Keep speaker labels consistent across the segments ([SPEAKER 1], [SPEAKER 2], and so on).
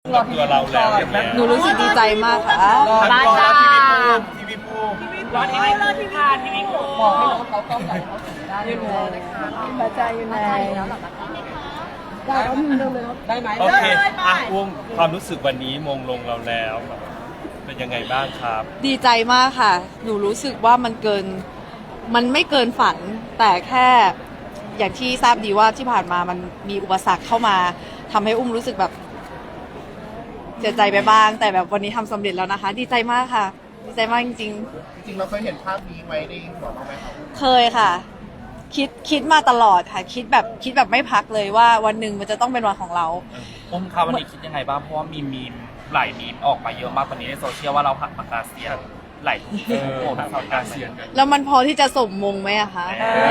[SPEAKER 1] กับตัวเราแล้วอย่างเงี้ย
[SPEAKER 2] หนูรู้สึกดีใจมากค่ะ
[SPEAKER 1] ทั้งรอทีวีภูมิ
[SPEAKER 3] รอทีวีผ่านทีวีโก
[SPEAKER 2] บอกให้น้องเขาต้องใส่เขาถึงได้เลยพระเจ้าอยู่ในได้ก็มึงเดิมเลยได้ไหม
[SPEAKER 1] โอเคอ่ะอุ้มความรู้สึกวันนี้มงลงเราแล้วเป็นยังไงบ้างครับ
[SPEAKER 2] ดีใจมากค่ะ หนูรู้สึกว่ามันไม่เกินฝัน แต่แค่อย่างที่ทราบดีว่าที่ผ่านมามันมีอุปสรรคเข้ามาทำให้อุ้มรู้สึกแบบเสียใจไปบ้าง แต่แบบวันนี้ทำสำเร็จแล้วนะคะ ดีใจมากค่ะ ดีใจมากจริง
[SPEAKER 4] จริงๆเราเคยเห็นภาพนี้ไว้ในหัวเราไหมครับ
[SPEAKER 2] ๆ เคยค่ะ คิดมาตลอดค่ะ คิดแบบไม่พักเลยว่าวันหนึ่งมันจะต้องเป็นวันของเรา
[SPEAKER 3] อุ้มคะวันนี้คิดยังไงบ้างเพราะว่ามีมีมหลายมีมออกมาเยอะมากตอนนี้ในโซเชียลว่าเราผัดปากกาเซียนหลายโอ้ปากกาเซียนกัน
[SPEAKER 2] แล้วมันพอที่จะสมมงไหมอะคะ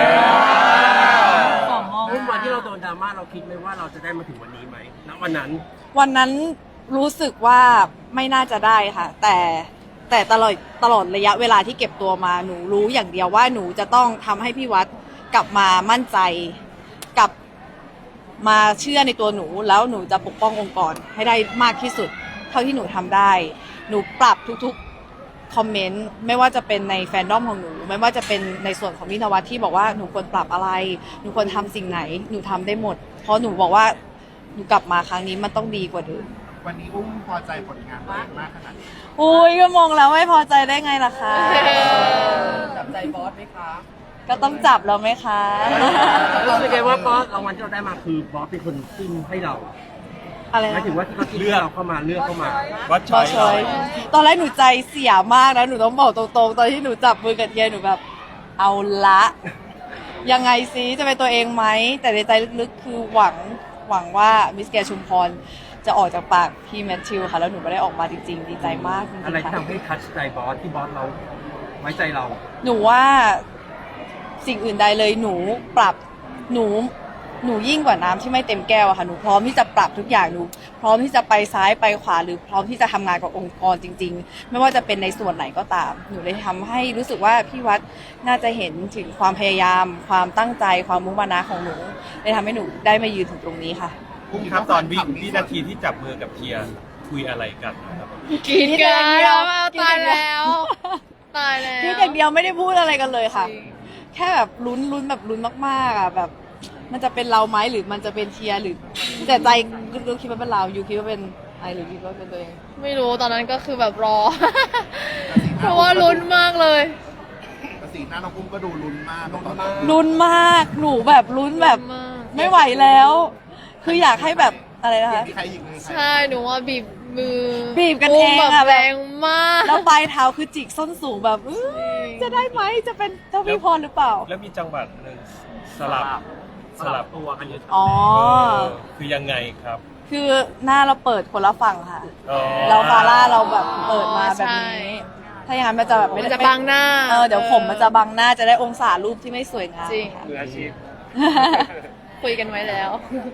[SPEAKER 5] รุ่นวันที่เราโดนดราม่าเราคิดไหมว่าเราจะได้มาถึงวันนี้ไหมณวันนั้น
[SPEAKER 2] วันนั้นรู้สึกว่าไม่น่าจะได้ค่ะ แต่ตลอดระยะเวลาที่เก็บตัวมาหนูรู้อย่างเดียวว่าหนูจะต้องทำให้พี่วัดกลับมามั่นใจกลับมาเชื่อในตัวหนูแล้วหนูจะปกป้ององค์กรให้ได้มากที่สุดเท่าที่หนูทำได้ หนูปรับทุกๆคอมเมนต์ไม่ว่าจะเป็นในแฟนดอมของหนูไม่ว่าจะเป็นในส่วนของพี่นวัดที่บอกว่าหนูควรปรับอะไรหนูควรทำสิ่งไหนหนูทำได้หมด เพราะหนูบอกว่าหนูกลับมาครั้งนี้มันต้องดีกว่าเดิม
[SPEAKER 4] วันนี้อุ้มพอใจผลงานตัวเองมากขนาดนี้
[SPEAKER 2] อุ้ยก็มองแล้วไม่พอใจได้ไงล่ะคะ
[SPEAKER 5] จับใจบอสไหมคะ
[SPEAKER 2] ก็ต้องจับแล้วไหมคะ
[SPEAKER 5] รู้สึกไงว่าบอสรางวัลที่เราได้มาคือบอสเป็นคนจิ้มให้เรา
[SPEAKER 2] อะไร
[SPEAKER 5] หมาย
[SPEAKER 2] นะ
[SPEAKER 5] ถึงว่าที่เขาจิ้มให้เราเข้ามาเลือกเข้ามา
[SPEAKER 1] วัด
[SPEAKER 2] บ
[SPEAKER 1] ช้
[SPEAKER 2] อ
[SPEAKER 1] อย
[SPEAKER 2] ชอยตอนแรกหนูใจเสียมากนะหนูต้องบอกตรงๆตอนที่หนูจับมือกับเทียหนูแบบเอาละยังไงซิจะเป็นตัวเองไหมแต่ในใจลึกๆคือหวังว่ามิสแกรนด์ชุมพรจะออกจากปากพี่แมทธิวค่ะแล้วหนูก็ได้ออกมาจริงๆดีใจมากจริงๆ
[SPEAKER 5] อะไรที่
[SPEAKER 2] ค่ะ
[SPEAKER 5] ทำให้ทัชใจบอสที่บอสเราไว้ใจเรา
[SPEAKER 2] หนูว่าสิ่งอื่นใดเลยหนูปรับหนูยิ่งกว่าน้ำที่ไม่เต็มแก้วอะค่ะหนูพร้อมที่จะปรับทุกอย่างหนูพร้อมที่จะไปซ้ายไปขวาหรือพร้อมที่จะทำงานกับองค์กรจริงๆไม่ว่าจะเป็นในส่วนไหนก็ตามหนูเลยทำให้รู้สึกว่าพี่วัดน่าจะเห็นถึงความพยายามความตั้งใจความมุ่งมั่นของหนูเลยทำให้หนูได้มายืนถึงตรงนี้ค่ะ
[SPEAKER 1] อุ้มครับตอนวินาทีที่จับมือกับเทียคุยอะไรกันนะครับ
[SPEAKER 2] คิดอย่างเดียว
[SPEAKER 6] ตายแล้วตายแล้ว
[SPEAKER 2] คิดอย่างเดียวไม่ได้พูดอะไรกันเลยค่ะ แค่แบบลุ้นแบบลุ้นมากๆอ่ะแบบ มันจะเป็นเราไหมหรือมันจะเป็นเทียร์หรือแต่ใจรู้คิดว่าเป็นเราอยู่คิดว่าเป็นไอหรือคิดว่าเป็นตัวเอง
[SPEAKER 6] ไม่รู้ตอนนั้นก็คือแบบรอ เพราะว่าลุ้นมากเลย
[SPEAKER 4] แต่สีหน้าน้องอุ้มก็ดูลุ้นมากตอน
[SPEAKER 2] ลุ้นมากหนูแบบลุ้นแบบ
[SPEAKER 6] ลุ้นมาก
[SPEAKER 2] ไม่ไหวแล้ว คืออยากให้แบบอะไรนะคะ
[SPEAKER 4] มีใครอีกไหม
[SPEAKER 6] ใช่หนูว่าบีบมือ
[SPEAKER 2] บีบกันเองอะ
[SPEAKER 6] แบบแรงมาก
[SPEAKER 2] แล้วปลายเท้าคือจิกส้นสูงแบบจะได้ไหมจะเป็นเจ้าพี่พรหรือเปล่า
[SPEAKER 1] แล้วมีจังหวัดหนึ่งสลับ
[SPEAKER 5] ตัวกันอยู่
[SPEAKER 2] อ๋อ
[SPEAKER 1] คือยังไงครับ
[SPEAKER 2] คือหน้าเราเปิดคนละฝั่งค่ะ
[SPEAKER 1] อ๋อ
[SPEAKER 2] เราฟาร่าเราแบบเปิดมาแบบนี้ ถ้าอย่างนั้นมันจะแบบไม่
[SPEAKER 6] มัน
[SPEAKER 2] ได้
[SPEAKER 6] จะบังหน้า
[SPEAKER 2] เดี๋ยวผมมันจะบังหน้าจะได้องศารูปที่ไม่สวยงาม
[SPEAKER 6] จริง
[SPEAKER 2] ค่ะ
[SPEAKER 1] มืออาชีพ
[SPEAKER 6] คุยกันไว้แล้ว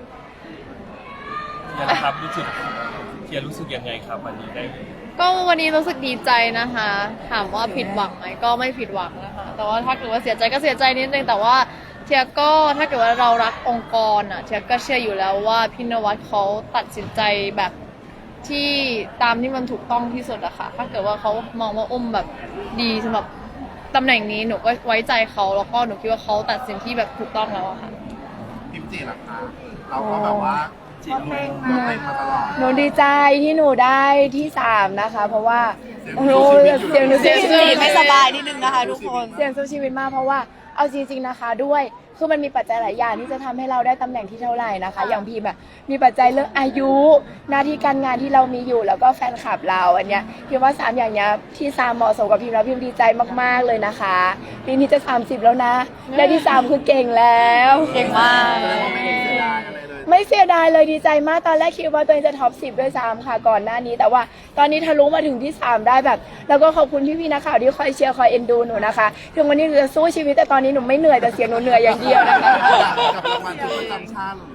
[SPEAKER 1] เนี่ยนะครับรู้สึกเทียรู้สึกยังไงครับวันนี้ได้
[SPEAKER 6] ก็วันนี้รู้สึกดีใจนะคะ ถามว่าผิดหวังไหมก็ไม่ผิดหวังนะคะ แต่ว่าถ้าเกิดว่าเสียใจก็เสียใจนิดนึงแต่ว่าเทียก็ถ้าเกิดว่าเรารักองค์กรอ่ะเทียก็เชื่ออยู่แล้วว่าพี่นวัดเขาตัดสินใจแบบที่ตามที่มันถูกต้องที่สุดอะค่ะ ถ้าเกิดว่าเขามองว่าอุ้มแบบดีสำหรับตำแหน่งนี้หนูก็ไว้ใจเขาแล้วก็หนูคิดว่าเขาตัดสินที่แบบถูกต้องแล้วอะค่ะ
[SPEAKER 4] พิมจีล่ะคะเราก็แบบว่าจีบเล่นมาตลอด
[SPEAKER 7] หนูดีใจที่หนูได้ที่3นะคะ เพราะว่า
[SPEAKER 4] เสียงสู้ชีวิตอยู่
[SPEAKER 7] เสียงหนู
[SPEAKER 2] จีไม่สบายนิดนึงนะคะทุกคน
[SPEAKER 7] เสียงสู้ชีวิตมากเพราะว่าเอาจริงๆนะคะด้วยคือมันมีปัจจัยหลายอย่างที่จะทำให้เราได้ตำแหน่งที่เท่าไหร่นะคะ อย่างพิมพ์อะมีปัจจัยเรื่องอายุหน้าที่การงานที่เรามีอยู่แล้วก็แฟนคลับเราอันเนี้ยพิมว่า3อย่างเนี้ยที่3เหมาะสมกับพิมแล้วพิมดีใจมากๆเลยนะคะปีนี้จะ30แล้วนะและที่3คือเก่งแล้ว
[SPEAKER 2] เก่งมาก
[SPEAKER 4] ไม่เห็นเสียดายอะไรเลย
[SPEAKER 7] ไม่เสียดายเลยดีใจมากตอนแรกคิดว่าตัวเองจะท็อป10ด้วยซ้ำค่ะก่อนหน้านี้ แต่ว่าตอนนี้ทะลุมาถึงที่3ได้แบบ แล้วก็ขอบคุณพี่ๆนักข่าวที่คอยเชียร์คอยเอ็นดูหนูนะคะถึงวันนี้หนูจะสู้ชีวิตแต่ตอนนี้หนูไม่เหนื่อยแต่เสียงหนูเหนื่อยอย่างเดียวนะคะ
[SPEAKER 4] กับรางวัลชุดประจำชาติ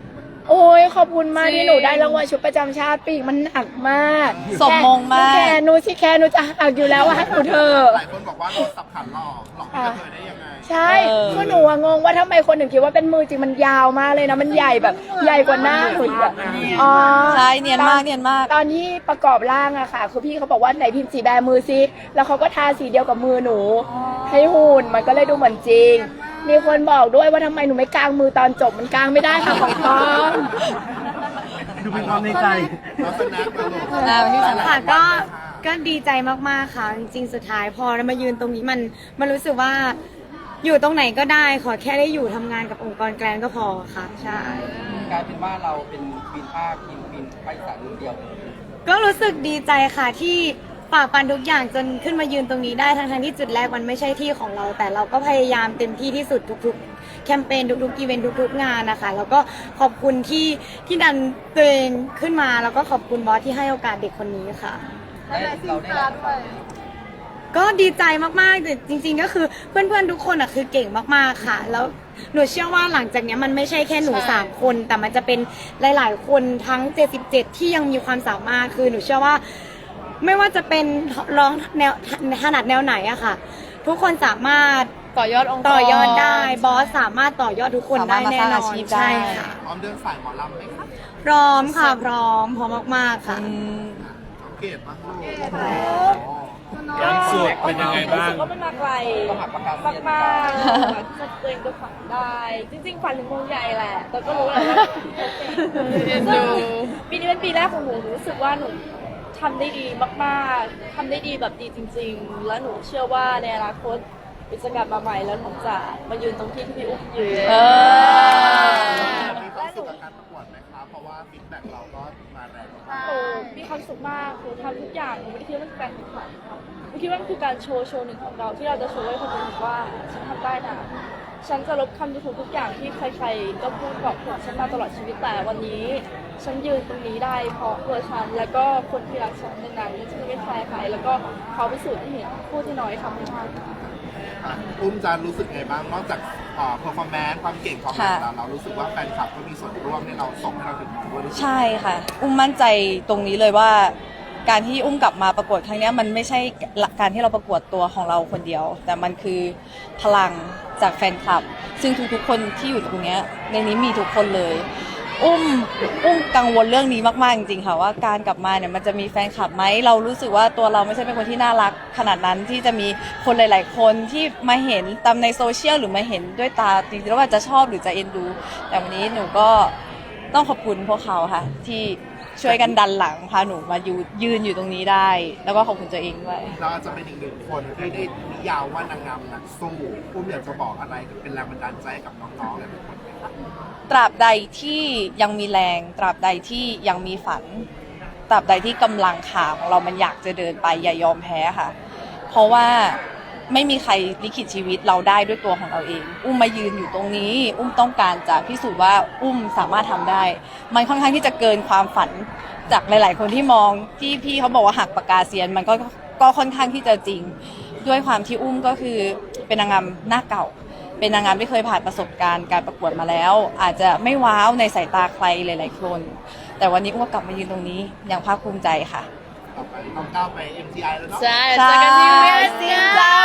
[SPEAKER 7] โอ้ยขอบคุณมาก
[SPEAKER 6] จริง
[SPEAKER 7] ที่หนูได้รางวัลชุดประจำชาติปีกมันหนักมาก
[SPEAKER 2] สมมงมาก
[SPEAKER 7] แค่หนูสิแค่หนูจะหักอยู่แล้วว่าให้หนูเธอะ
[SPEAKER 4] หลายคนบอกว่าเราสับขันหลอกพี่กระเทยได้ยังไง
[SPEAKER 7] ใช่
[SPEAKER 2] เออ
[SPEAKER 7] คือหนูอะงงว่าทำไมคนถึงคิดว่าเป็นมือจริงมันยาวมากเลยนะมันใหญ่แบบใหญ่กว่าหน้าหนูอีกอะอ๋อ
[SPEAKER 2] ใช่เนียนมากเนียนมาก
[SPEAKER 7] ตอนที่ประกอบร่างอะค่ะคือพี่เขาบอกว่าไหนพิมพ์สีแบมือซิแล้วเขาก็ทาสีเดียวกับมือหนู ให้หุ่นมันก็เลยดูเหมือนจริง มีคนบอกด้วยว่าทำไมหนูไม่กางมือตอนจบมันกางไม่ได้ค่ะของปลอม
[SPEAKER 5] ดูเป็นความในใจ
[SPEAKER 4] แล้วสแน็คมาลูก
[SPEAKER 8] ค่ะก็ดีใจมากๆค่ะ จริงๆสุดท้ายพอเรามายืนตรงนี้มันรู้สึกว่าอยู่ตรงไหนก็ได้ขอแค่ได้อยู่ทำงานกับองค์กรแกรนก็พอค่ะใช่
[SPEAKER 5] กลายเป็นว่าเราเป็นควีนภาคควีนภาคอีสานเดียว
[SPEAKER 8] ก็รู้สึกดีใจค่ะที่ฝ่าฟันทุกอย่างจนขึ้นมายืนตรงนี้ได้ทั้งที่จุดแรกมันไม่ใช่ที่ของเรา แต่เราก็พยายามเต็มที่ที่สุดทุกๆแคมเปญทุกๆอีเวนต์ทุกๆงานนะคะแล้วก็ขอบคุณที่ดันตัวเองขึ้นมาแล้วก็ขอบคุณบอสที่ให้โอกาสเด็กคนนี้ค่ะ ก็ดีใจมากๆแต่จริงๆก็คือเพื่อนๆทุกคนอ่ะคือเก่งมากๆค่ะ แล้วหนูเชื่อว่าหลังจากเนี้ยมันไม่ใช่แค่หนู3คนแต่มันจะเป็นหลายๆคนทั้ง77ที่ยังมีความสามารถคือหนูเชื่อว่าไม่ว่าจะเป็นร้องแนวถนัดแนวไหนอะค่ะ ทุกคนสามารถ
[SPEAKER 6] ต่อยอดองค์กร
[SPEAKER 8] ต่อยอดได้บอสสามารถต่อยอดทุกคนได้แน่นอน
[SPEAKER 2] สามารถมาสร้างอาชีพได้
[SPEAKER 8] ใช่ค่ะ
[SPEAKER 4] พร้อมเดินสายหมอลำไหมคะ
[SPEAKER 8] พร้อมค่ะพร้อมมากๆค่ะ
[SPEAKER 2] อืม
[SPEAKER 4] น้องเกดมาลูก
[SPEAKER 1] ยังสุดเป็นยังไงบ้าง
[SPEAKER 9] รู้สึกว่ามันมาไกล
[SPEAKER 5] ก็หักปากกาเซียน
[SPEAKER 9] มากๆแบบที่จะตัวเองจะฝันได้ จริงๆฝันถึงวงใหญ่แหละ แต่ก็รู้แหละว่าซึ่งปีนี้เป็นปีแรกของหนูหนูรู้สึกว่าหนูทำได้ดีมากๆทำได้ดีแบบดีจริง ๆ แล้วหนูเชื่อว่าในอนาคตวิศกรรมมาใหม่แล้วหนูจะมายืนตรงที่พี่อุ้มยืน
[SPEAKER 2] เออ
[SPEAKER 4] มีความสุขกับการประกวดไหมคะเพราะว่าฟีดแบ็กเราก็มาแรงมาก
[SPEAKER 9] โอ้มีความสุขมากหนูทำทุกอย่างหนูไม่ได้คิดว่ามันคือการแข่งขันหนูคิดว่ามันคือการโชว์หนึ่งของเราที่เราจะโชว์ให้คนอื่นเห็นว่าฉันทำได้นะ ฉันจะลบคำดูถูกทุกอย่างที่ใครๆก็พูดบอกผมฉันมาตลอดชีวิตแต่วันนี้ ฉันยืนตรงนี้ได้เพราะตัวฉันแล้วก็คนที่รักฉันดังนั้นฉันไม่แคร์ใครแล้วก็เขาพิสูจน์ให้เห็นผู้ที่น้อยทำไม่ได้
[SPEAKER 4] อ่ะอุ้มจะรู้สึกไงบ้างนอกจากเพอร์ฟอร์แมนซ์ความเก่งความอะไรแล้วเรารู้สึกว่าแฟนคลับก็มีส่วนร่วมในเราส่งให้เราถึงด้วยหรือเปล่า
[SPEAKER 2] ใช่ค่ะ อุ้มมั่นใจตรงนี้เลยว่า การที่อุ้มกลับมาประกวดครั้งเนี้ยมันไม่ใช่การที่เราประกวดตัวของเราคนเดียว แต่มันคือพลังจากแฟนคลับ ซึ่งทุกๆคนที่อยู่ตรงเนี้ยในนี้มีทุกคนเลย อุ้มกังวลเรื่องนี้มากๆจริงๆค่ะว่าการกลับมาเนี่ยมันจะมีแฟนคลับไหมเรารู้สึกว่าตัวเราไม่ใช่เป็นคนที่น่ารักขนาดนั้นที่จะมีคนหลาย ๆ คนที่มาเห็นตามในโซเชียลหรือมาเห็นด้วยตาจริงๆแล้วว่าจะชอบหรือจะเอ็นดู แต่วันนี้หนูก็ต้องขอบคุณพวกเขาค่ะ ที่ช่วยกันดันหลังพาหนูมายืนอยู่ตรงนี้ได้ แล้วก็ขอบคุณตัวเองด้วย
[SPEAKER 4] เราจะเป็นอีกหนึ่งคนที่ได้นิยามว่านางงามนักสู้อุ้มอยากจะบอกอะไรเป็นแรงบันดาลใจให้กับน้องๆหลายๆคนไหมครับ
[SPEAKER 2] ตราบใดที่ยังมีแรง ตราบใดที่ยังมีฝัน ตราบใดที่กำลังขาของเรามันอยากจะเดินไปอย่ายอมแพ้ค่ะ เพราะว่าไม่มีใครลิขิตชีวิตเราได้ด้วยตัวของเราเอง อุ้มมายืนอยู่ตรงนี้ อุ้มต้องการจะพิสูจน์ว่าอุ้มสามารถทำได้ มันค่อนข้างที่จะเกินความฝันจากหลาย ๆ คนที่มองที่พี่เขาบอกว่าหักปากกาเซียน มันก็ค่อนข้างที่จะจริง ด้วยความที่อุ้มก็คือเป็นนางงามหน้าเก่า เป็นนางงามที่เคยผ่านประสบการณ์การประกวดมาแล้ว อาจจะไม่ว้าวในสายตาใครหลาย ๆ คน แต่วันนี้อุ้มก็กลับมายืนตรงนี้อย่างภาคภูมิใจค่ะ
[SPEAKER 4] ต่อไปน้องก้าวไป MTI แล้วเนาะ
[SPEAKER 6] ใช่เจอกันที่เวียดนาม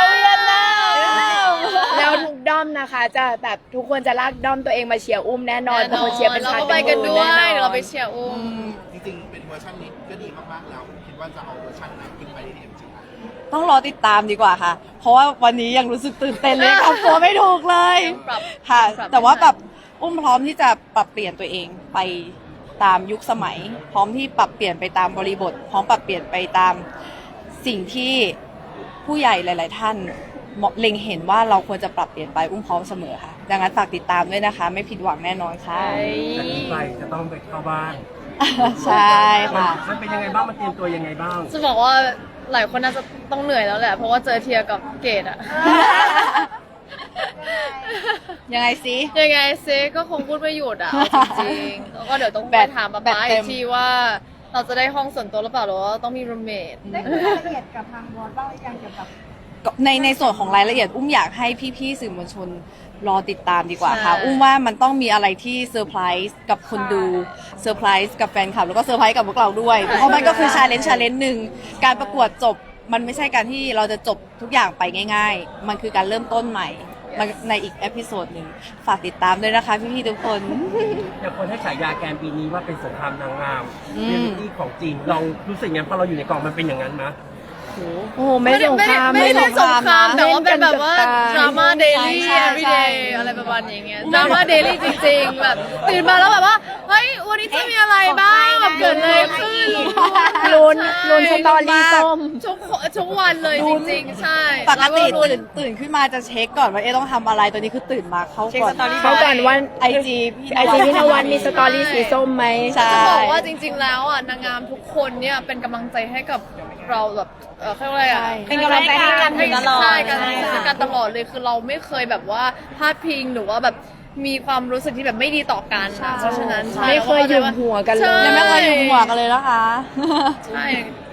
[SPEAKER 7] แล้วทุกด้อมนะคะ จะแบบทุกคนจะลากด้อมตัวเองมาเชียร์อุ้มแน่นอนเป็นคนเชียร์เป็น
[SPEAKER 6] เรา
[SPEAKER 7] พัน
[SPEAKER 6] ก็
[SPEAKER 7] เป็
[SPEAKER 6] ไป
[SPEAKER 7] นห
[SPEAKER 6] กัน
[SPEAKER 7] มื่น
[SPEAKER 6] ด้ว
[SPEAKER 7] แน่
[SPEAKER 6] ย
[SPEAKER 7] นอน
[SPEAKER 6] เดี๋ยวเราไปเชียร์อุ้ม
[SPEAKER 4] จริงๆเป็นเวอร์ชันนี้ก็ดีมากๆแล้วคิดว่าจะเอาเวอร์ชันไหนขึ้นไปที่ MTI
[SPEAKER 2] ต้องรอติดตามดีกว่าค่ะ เพราะว่าวันนี้ยังรู้สึกตื่นเต้นเลยทำตัวไม่ถูกเลย
[SPEAKER 6] ปรับ
[SPEAKER 2] ค่ะ
[SPEAKER 6] ปรับ
[SPEAKER 2] แต่ว่าแบบอุ้มพร้อมที่จะปรับเปลี่ยนตัวเองไปตามยุคสมัย พร้อมที่ปรับเปลี่ยนไปตามบริบท พร้อมปรับเปลี่ยนไปตามสิ่งที่ผู้ใหญ่หลาย ๆ ท่านเล็งเห็นว่าเราควรจะปรับเปลี่ยนไปอุ้มพร้อมเสมอค่ะ ดังนั้นฝากติดตามด้วยนะคะ ไม่ผิดหวังแน่นอนค่ะ
[SPEAKER 5] จากนี้ไปจะต้องไปเข้าบ้าน
[SPEAKER 2] ใช่ค่ะ
[SPEAKER 5] มันเป็นยังไงบ้างมันเตรียมตัวยังไงบ้าง
[SPEAKER 6] จะบอกว่าหลายคนน่าจะต้องเหนื่อยแล้วแหละ เพราะว่าเจอเทียกับเกดอะ
[SPEAKER 2] ยังไงสิ
[SPEAKER 6] ยังไงเซก็คงพูดไม่หยุดอะเอาจริงๆแล้วก็เดี๋ยวต้องไปถามป๊า
[SPEAKER 2] แบต
[SPEAKER 6] ป๊า
[SPEAKER 2] เต็
[SPEAKER 6] อี
[SPEAKER 2] ม
[SPEAKER 6] กทีว่าเราจะได้ห้องส่วนตัวหรือเปล่าหรือว่าต้องมีรูมเมท
[SPEAKER 8] ได้คุยรายละเอียดกับทางบอสบ้างหรือยังเกี่ยวกับ
[SPEAKER 2] ในส่วนของรายละเอียดอุ้มอยากให้พี่ๆสื่อมวลชนรอติดตามดีกว่าค่ะ อุ้มว่ามันต้องมีอะไรที่เซอร์ไพรส์กับคนดูเซอร์ไพรส์กับแฟนคลับแล้วก็เซอร์ไพรส์กับพวกเราด้วยเพราะมันก็คือชาเลนจ์หนึ่งการประกวดจบมันไม่ใช่การที่เราจะจบทุกอย่างไปง่ายๆมันคือการเริ่มต้นใหม่ในอีกเอพิโซดหนึ่งฝากติดตามด้วยนะคะพี่ๆทุกคน
[SPEAKER 5] อย่างคนให้ฉายาแกนปีนี้ว่าเป็นสงครามนางงาม
[SPEAKER 2] อืม
[SPEAKER 5] เรียลลิตี้ของจริงลองรู้สึกงั้นพอเราอยู่ในกล่องมันเป็นอย่างนั้นไหม
[SPEAKER 7] โอ้โหไม่สงคราม
[SPEAKER 6] ไม่ได้สงคราม
[SPEAKER 2] ไม่
[SPEAKER 6] แต่ว่าเป็นแบบว่า
[SPEAKER 7] เล่นกันกับตา
[SPEAKER 6] ดราม่าเดลี่
[SPEAKER 2] ใช่
[SPEAKER 6] everyday อะไรประมาณอย่างเงี้ยดราม่าเดลี่จริงๆ แบบตื่นมาแล้วแบบว่า เฮ้ย วันนี้จะมีอะไรบ้างแบบเกิดอะไรขึ้น
[SPEAKER 7] ลุ้นสตอรี่ส้ม
[SPEAKER 6] ทุกวันเลยจริงๆ ใช่
[SPEAKER 2] ปกติ
[SPEAKER 6] แล้วลุ้น
[SPEAKER 2] ตื่นขึ้นมาจะเช็คก่อนว่าต้องทำอะไรตัวนี้คือตื่นมาเข้าก่อน
[SPEAKER 7] เขาก่อนว่า
[SPEAKER 2] ไอจี
[SPEAKER 7] ไอจีพี่นวัดมีสตอรี่สีส้มไหม
[SPEAKER 2] ใช่
[SPEAKER 6] จะบอกว่าจริงๆ แล้วอ่ะนางงามทุกคนเนี่ยเป็นกำลังใจให้กับเราแบบเขาเรียกอะไรอ่ะ
[SPEAKER 8] เป็นกำลังใจให้กันตลอด
[SPEAKER 6] ใช่การให้กันตลอดเลยคือเราไม่เคยแบบว่าพลาดพิงหรือว่าแบบมีความรู้สึกที่แบบไม่ดีต่อกันนะเพราะฉะนั้นใช่
[SPEAKER 7] ไม่เคยหยุมหัวกันเลย
[SPEAKER 6] ใช่
[SPEAKER 2] ยังไม่เคยอยู่หัวกันเลยนะคะ
[SPEAKER 6] ใช่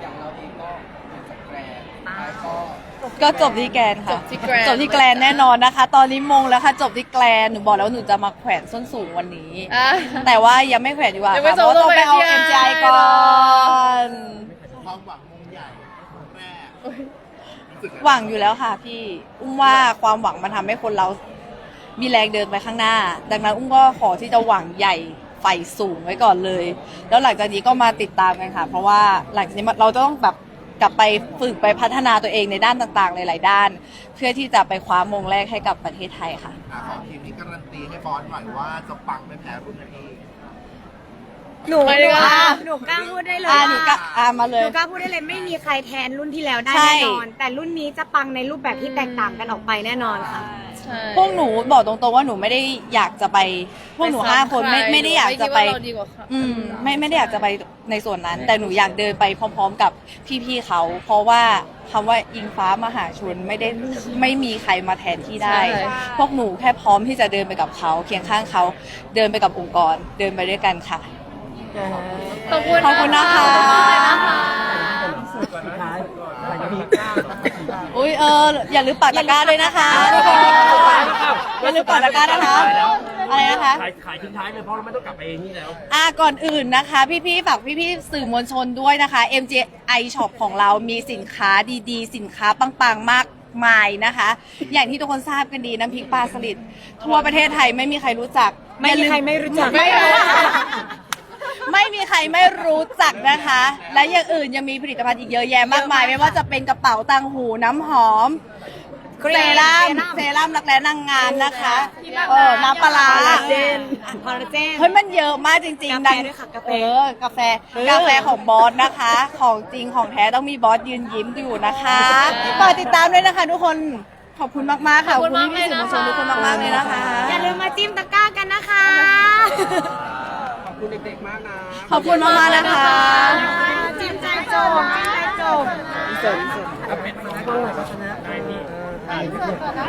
[SPEAKER 2] ก็จบที่แกรนด์ค่ะ
[SPEAKER 6] จบที่แกรนด์
[SPEAKER 2] จบที่แกรนด์แน่นอนนะคะ ตอนนี้มงแล้วค่ะจบที่แกรนด์หนูบอกแล้วว่าหนูจะมาแขวนส้นสูงวันนี้
[SPEAKER 6] อ่ะ
[SPEAKER 2] แต่ว่ายังไม่แขวนดีกว่า
[SPEAKER 6] ยังไม่
[SPEAKER 2] ค่ะเพราะว่าต้องไปเอา
[SPEAKER 6] จบ
[SPEAKER 2] MGI ก่อน
[SPEAKER 4] ความหวังมงใหญ่มงแรกรู้สึกไ
[SPEAKER 2] หวังอยู่แล้วค่ะพี่ อุ้มว่าความหวังมันทำให้คนเรามีแรงเดินไปข้างหน้า ดังนั้นอุ้มก็ขอที่จะหวังใหญ่ไฟสูงไว้ก่อนเลย แล้วหลังจากนี้ก็มาติดตามกันค่ะ เพราะว่าหลังจากนี้เราต้องแบบกลับไปฝึกไปพัฒนาตัวเองในด้านต่างๆหลายๆด้าน เพื่อที่จะไปคว้ามงแรกให้กับประเทศไทยค่ะ
[SPEAKER 4] ของทีมนี้การันตีให้บอสหน่อยว่าจะปังไม่แพ้รุ่นพี่
[SPEAKER 8] หนู
[SPEAKER 6] ไปดีกว่า
[SPEAKER 8] หนูกล้าพูดได้เลย
[SPEAKER 2] อ่า
[SPEAKER 8] ว่า
[SPEAKER 2] หนูก็มาเล
[SPEAKER 8] ห
[SPEAKER 2] ย
[SPEAKER 8] นูกล้าพูดได้เลยไม่มีใครแทนรุ่นที่แล้วได้
[SPEAKER 2] ใช่
[SPEAKER 8] แน่นอน แต่รุ่นนี้จะปังในรูปแบบที่แตกต่างกันออกไปแน่นอนค่ะ
[SPEAKER 6] ใช่
[SPEAKER 2] พวกหนูบอกตรงๆว่าหนูไม่ได้อยากจะไปพวกหนู5 คนไม่ได้อยากจะไป
[SPEAKER 6] ม่คิดว่าเราดีกว่าค่ะ
[SPEAKER 2] ไม่ได้อยากจะไปในส่วนนั้น แต่หนูอยากเดินไปพร้อมๆกับพี่ๆเขา เพราะว่าคำว่าอิงฟ้ามหาชนไม่มีใครมาแทนที่ได้
[SPEAKER 6] ใช่
[SPEAKER 2] พวกหนูแค่พร้อมที่จะเดินไปกับเขาเคียงข้างเขาเดินไปกับองค์กร เดินไปด้วยกันค่ะ
[SPEAKER 6] ขอบคุณ
[SPEAKER 2] ขอบคุณนะคะ
[SPEAKER 6] ขอบคุณนะคะ
[SPEAKER 5] สุดท้ายอะไรนะพี่
[SPEAKER 2] อุ้ยอย่าลืมปักตะกร้าด้วยนะคะอย่าลืมปักตะกร้านะคะอะไรนะคะ
[SPEAKER 5] ขายทิ้งท้ายเลยเพราะเราไม่ต้องกลับไปนี่แล้ว
[SPEAKER 2] ก่อนอื่นนะคะพี่ๆฝากพี่ๆสื่อมวลชนด้วยนะคะ MGI Shop ของเรามีสินค้าดีๆ สินค้าปังๆมากมายนะคะ อย่างที่ทุกคนทราบกันดีน้ำพริกปลาสลิดทั่วประเทศไทยไม่มีใครรู้จัก
[SPEAKER 7] ไม่มีใครไม่รู้จัก
[SPEAKER 2] ไม่มีใครไม่รู้จักนะคะ และอย่างอื่นยังมีผลิตภัณฑ์อีกเยอะแยะมากมาย ไม่ว่าจะเป็นกระเป๋าตังหูน้ำหอมเซรั่มรักแร้นางงามนะคะน้ำปลาร้า
[SPEAKER 8] คอลลาเจน
[SPEAKER 2] เฮ้ยมันเยอะมากจริงๆ
[SPEAKER 8] กาแฟด้วยค่ะกาแฟ
[SPEAKER 2] กาแฟของบอสนะคะ ของจริงของแท้ต้องมีบอสยืนยิ้มอยู่นะคะฝากติดตามด้วยนะคะทุกคนขอบคุณมากๆค่ะ
[SPEAKER 6] ขอบคุณมาก
[SPEAKER 2] พี่ๆสื่อมวลชน
[SPEAKER 6] เลยนะคะ
[SPEAKER 2] ทุกคนมากๆเลยนะคะ
[SPEAKER 8] อย่าลืมมาจิ้มตะกร้ากันนะคะ
[SPEAKER 5] ขอบคุณเด็กๆมากนะ
[SPEAKER 2] ขอบคุณมากๆนะคะ
[SPEAKER 8] จิ้มใจจบจิ้มใจจบ
[SPEAKER 5] เอาเป็ดมาได้ก็ชนะได้นี่